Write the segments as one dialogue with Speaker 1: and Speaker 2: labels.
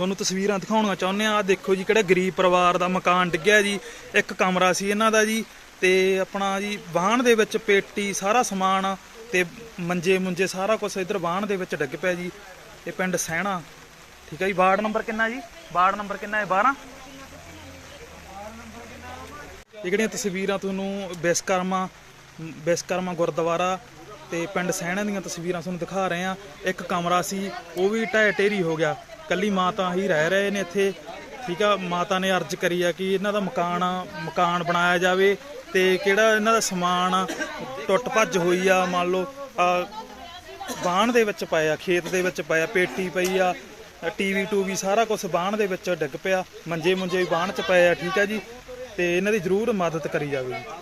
Speaker 1: ਤੁਹਾਨੂੰ ਤਸਵੀਰਾਂ ਦਿਖਾਉਣੀਆਂ ਚਾਹੁੰਦੇ ਆ। ਦੇਖੋ ਜੀ, ਕਿਹੜਾ ਗਰੀਬ ਪਰਿਵਾਰ ਦਾ ਮਕਾਨ ਡਿੱਗਿਆ ਜੀ। ਇੱਕ ਕਮਰਾ ਸੀ ਇਹਨਾਂ ਦਾ ਜੀ, ਤੇ ਆਪਣਾ ਜੀ ਵਾਹਣ ਦੇ ਵਿੱਚ ਪੇਟੀ ਸਾਰਾ ਸਮਾਨ ਤੇ ਮੰਜੇ ਮੁੰਜੇ ਸਾਰਾ ਕੁਝ ਇਧਰ ਵਾਹਣ ਦੇ ਵਿੱਚ ਡਿੱਗ ਪਿਆ ਜੀ। ਇਹ ਪਿੰਡ ਸਹਿਣਾ, ਠੀਕ ਹੈ ਜੀ। ਵਾਰਡ ਨੰਬਰ ਕਿੰਨਾ ਜੀ? ਵਾਰਡ ਨੰਬਰ ਕਿੰਨਾ ਹੈ? 12। ਇਹ ਜਿਹੜੀਆਂ ਤਸਵੀਰਾਂ ਤੁਹਾਨੂੰ ਵਿਸ਼ਕਰਮਾ ਗੁਰਦੁਆਰਾ ਤੇ ਪਿੰਡ ਸਹਿਣਾ ਦੀਆਂ ਤਸਵੀਰਾਂ ਤੁਹਾਨੂੰ ਦਿਖਾ ਰਹੇ ਆ। ਇੱਕ ਕਮਰਾ ਸੀ, ਉਹ ਵੀ ਢਹਿ ਢੇਰੀ ਹੋ ਗਿਆ। ਕੱਲੀ ਮਾਤਾ ਹੀ ਰਹਿ ਰਹੇ ਨੇ ਇੱਥੇ, ਠੀਕ ਆ। ਮਾਤਾ ਨੇ ਅਰਜ਼ ਕਰੀ ਆ ਕਿ ਇਹਨਾਂ ਦਾ ਮਕਾਨ ਬਣਾਇਆ ਜਾਵੇ, ਤੇ ਕਿਹੜਾ ਇਹਨਾਂ ਦਾ ਸਮਾਨ ਟੁੱਟ ਭੱਜ ਹੋਈ ਆ। ਮੰਨ ਲਓ ਬਾਣ ਦੇ ਵਿੱਚ ਪਾਇਆ, ਖੇਤ ਦੇ ਵਿੱਚ ਪਾਇਆ, ਪੇਟੀ ਪਈ ਆ, ਟੀਵੀ ਟੂਵੀ ਸਾਰਾ ਕੁਝ ਬਾਣ ਦੇ ਵਿੱਚ ਡਿੱਗ ਪਿਆ, ਮੰਜੇ ਮੁੰਜੇ ਵੀ ਬਾਣ 'ਚ ਪਏ ਆ, ਠੀਕ ਆ ਜੀ। ਤੇ ਇਹਨਾਂ ਦੀ ਜ਼ਰੂਰ ਮਦਦ ਕਰੀ ਜਾਵੇ ਜੀ।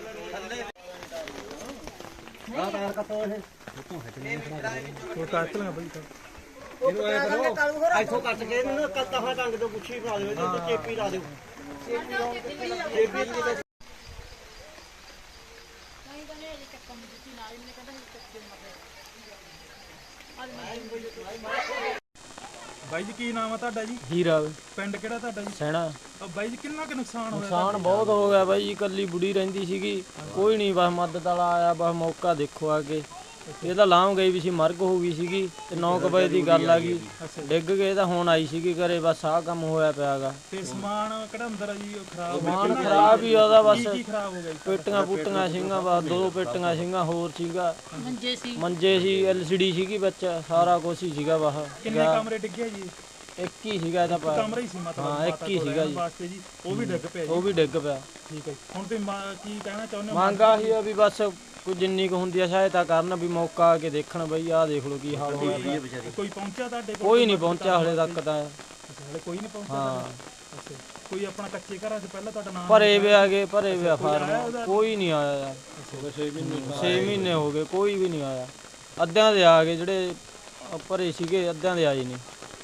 Speaker 1: ਬਾਈ ਜੀ, ਕੀ ਨਾਮ ਆ ਤੁਹਾਡਾ ਜੀ?
Speaker 2: ਹੀਰਾ।
Speaker 1: ਪਿੰਡ ਕਿਹੜਾ ਤੁਹਾਡਾ ਜੀ?
Speaker 2: ਸਹਿਣਾ।
Speaker 1: ਬਾਈ ਜੀ, ਕਿੰਨਾ ਕੁ ਨੁਕਸਾਨ ਹੋਇਆ?
Speaker 2: ਨੁਕਸਾਨ ਬਹੁਤ ਹੋ ਗਿਆ ਬਾਈ ਜੀ। ਇਕੱਲੀ ਬੁੜੀ ਰਹਿੰਦੀ ਸੀਗੀ, ਕੋਈ ਨਹੀਂ ਬਸ ਮਦਦ ਵਾਲਾ ਆਇਆ। ਬਸ ਮੌਕਾ ਦੇਖੋ ਆ ਕੇ। ਇਹ ਤਾਂ ਲਾਂਘ ਗਈ ਵੀ ਸੀ, ਮਰਗ ਹੋ ਗਈ ਸੀਗੀ, ਤੇ 9 ਵਜੇ ਦੀ ਗੱਲ ਆ ਗਈ। ਡਿੱਗ ਗਏ ਤਾਂ ਹੁਣ ਆਈ ਸੀਗੀ ਘਰੇ। ਬਸ ਆਹ ਕੰਮ ਹੋਇਆ ਪਿਆਗਾ।
Speaker 1: ਤੇ ਸਮਾਨ ਕਿਹੜਾ ਅੰਦਰ ਆ ਜੀ? ਖਰਾਬ
Speaker 2: ਸਮਾਨ ਖਰਾਬ ਹੀ ਉਹਦਾ। ਬਸ
Speaker 1: ਕੀ ਖਰਾਬ ਹੋ ਗਿਆ?
Speaker 2: ਪੇਟੀਆਂ ਪੂਟੀਆਂ ਸੀਗੀਆਂ, ਬਸ 2 ਪੇਟੀਆਂ ਸੀਗੀਆਂ, ਹੋਰ ਸੀਗਾ ਮੰਜੇ ਸੀ, LCD ਸੀਗੀ ਵਿੱਚ, ਸਾਰਾ ਕੁਛ ਹੀ ਸੀਗਾ। ਬਾਹਰ
Speaker 1: ਕਿੰਨੇ ਕਮਰੇ ਡਿੱਗੇ ਜੀ?
Speaker 2: ਇੱਕ ਹੀ ਸੀਗਾ ਇਹਦਾ।
Speaker 1: ਕਮਰਾ ਹੀ ਸੀ ਮਤਲਬ?
Speaker 2: ਹਾਂ, ਇੱਕ ਹੀ ਸੀਗਾ ਜੀ।
Speaker 1: ਵਾਸਤੇ ਜੀ ਉਹ ਵੀ ਡਿੱਗ ਪਿਆ ਜੀ?
Speaker 2: ਉਹ ਵੀ ਡਿੱਗ ਪਿਆ।
Speaker 1: ਠੀਕ ਹੈ। ਹੁਣ ਤੁਸੀਂ ਕੀ ਕਹਿਣਾ ਚਾਹੁੰਦੇ ਹੋ?
Speaker 2: ਮੰਗ ਆਹੀ ਆ ਵੀ ਬਸ ਕੋਈ ਜਿੰਨੀ ਕੁ ਹੁੰਦੀ ਆ ਸਹਾਇਤਾ ਕਰਨ, ਵੀ ਮੌਕਾ ਆ ਕੇ ਦੇਖਣ। ਬਈ ਆਹ ਦੇਖ ਲਓ ਕੀ ਹਾਲ ਹੋਇਆ।
Speaker 1: ਕੋਈ ਪਹੁੰਚਿਆ ਤੁਹਾਡੇ ਕੋਲ?
Speaker 2: ਕੋਈ ਨਹੀਂ ਪਹੁੰਚਿਆ ਹਲੇ ਤੱਕ ਤਾਂ।
Speaker 1: ਹਲੇ ਕੋਈ ਨਹੀਂ ਪਹੁੰਚਿਆ?
Speaker 2: ਹਾਂ।
Speaker 1: ਅੱਛਾ। ਕੋਈ ਆਪਣਾ ਕੱਚੇ ਘਰਾਂ 'ਚ ਪਹਿਲਾਂ ਤੁਹਾਡਾ ਨਾਮ
Speaker 2: ਭਰੇ ਵੇ ਆ ਗਏ, ਭਰੇ ਵੇ ਫਾਰਮ, ਕੋਈ ਨਹੀਂ ਆਇਆ ਯਾਰ। 6 ਮਹੀਨੇ ਹੋ ਗਏ, ਕੋਈ ਵੀ ਨਹੀਂ ਆਇਆ। ਅੱਧਿਆਂ ਦੇ ਆ ਗਏ, ਜਿਹੜੇ ਭਰੇ ਸੀਗੇ ਅੱਧਿਆਂ ਦੇ ਆਏ ਨਹੀਂ।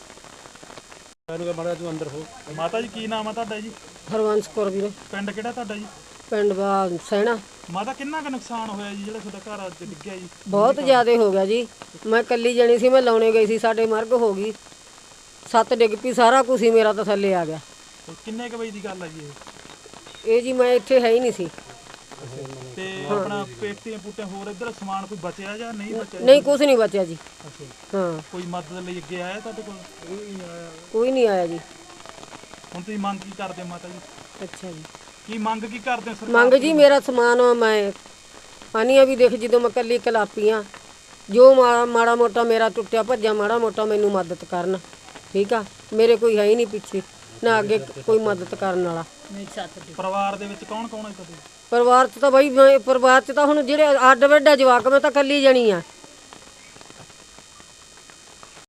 Speaker 1: ਮਾਤਾ ਜੀ, ਕੀ ਨਾਮ ਆ ਤੁਹਾਡਾ ਜੀ?
Speaker 3: ਹਰਵੰਸ ਕੌਰ ਵੀਰੇ।
Speaker 1: ਪਿੰਡ ਕਿਹੜਾ ਤੁਹਾਡਾ ਜੀ?
Speaker 3: ਪਿੰਡ ਸਹਿਣਾ।
Speaker 1: ਮਾਤਾ, ਕਿੰਨਾ ਕੁ ਨੁਕਸਾਨ ਹੋਇਆ ਜੀ ਜਿਹੜਾ ਤੁਹਾਡਾ ਘਰ ਅੱਜ ਡਿੱਗਿਆ ਜੀ?
Speaker 3: ਬਹੁਤ ਜ਼ਿਆਦਾ ਹੋ ਗਿਆ ਜੀ। ਮੈਂ ਇਕੱਲੀ ਜਣੀ ਸੀ, ਮੈਂ ਲਾਉਣੇ ਗਈ ਸੀ, ਸਾਡੇ ਮਰਗ ਹੋ ਗਈ। 7 ਡਿੱਗ ਪਈ, ਸਾਰਾ ਕੁਝ ਹੀ ਮੇਰਾ ਤਾਂ ਥੱਲੇ ਆ ਗਿਆ।
Speaker 1: ਕਿੰਨੇ ਕੁ ਵਜੇ ਦੀ ਗੱਲ ਆ ਜੀ
Speaker 3: ਇਹ ਜੀ ਮੈਂ ਇੱਥੇ ਹੈ ਹੀ ਨਹੀਂ ਸੀ।
Speaker 1: ਤੇ ਆਪਣਾ ਪੇਟੀਆਂ ਪੂਟੀਆਂ ਹੋਰ ਇੱਧਰ ਸਮਾਨ ਕੋਈ ਬਚਿਆ ਜਾਂ ਨਹੀਂ ਬਚਿਆ?
Speaker 3: ਨਹੀਂ, ਕੁਝ ਨਹੀਂ ਬਚਿਆ ਜੀ। ਹਾਂ।
Speaker 1: ਕੋਈ ਮਦਦ ਲਈ ਅੱਗੇ ਆਇਆ ਤੁਹਾਡੇ ਕੋਲ?
Speaker 3: ਕੋਈ ਨਹੀਂ ਆਇਆ ਜੀ।
Speaker 1: ਹੁਣ ਤੁਸੀਂ ਮੰਗ ਕੀ ਕਰਦੇ ਹੋ ਮਾਤਾ ਜੀ?
Speaker 3: ਅੱਛਾ ਜੀ।
Speaker 1: ਕੀ ਮੰਗ ਕੀ ਕਰਦੇ ਹੋ ਸਰਕਾਰ?
Speaker 3: ਮੰਗ ਜੀ, ਮੇਰਾ ਸਮਾਨ ਮੈਂ ਆਨੀਆਂ ਵੀ ਦੇਖ, ਜਦੋਂ ਮੈਂ ਇਕੱਲੀ ਕਲਾਪੀ ਆ, ਜੋ ਮਾੜਾ ਮੋਟਾ ਮੇਰਾ ਟੁੱਟਿਆ ਭੱਜਿਆ ਮਾੜਾ ਮੋਟਾ ਮੈਨੂੰ ਮਦਦ ਕਰਨ, ਠੀਕ ਆ। ਮੇਰੇ ਕੋਈ ਹੈ ਹੀ ਨਹੀਂ ਪਿੱਛੇ, ਨਾ ਅੱਗੇ ਕੋਈ ਮਦਦ ਕਰਨ ਵਾਲਾ।
Speaker 1: ਪਰਿਵਾਰ ਦੇ ਵਿੱਚ ਕੌਣ ਕੌਣ ਹੈ ਤੁਹਾਡੇ?
Speaker 3: ਪਰਿਵਾਰ 'ਚ ਤਾਂ ਬਈ ਪਰਿਵਾਰ 'ਚ ਤਾਂ ਹੁਣ ਜਿਹੜੇ ਅੱਡ ਵੱਡਾ ਜਵਾਕ, ਮੈਂ ਤਾਂ ਇਕੱਲੀ ਜਣੀ ਆ।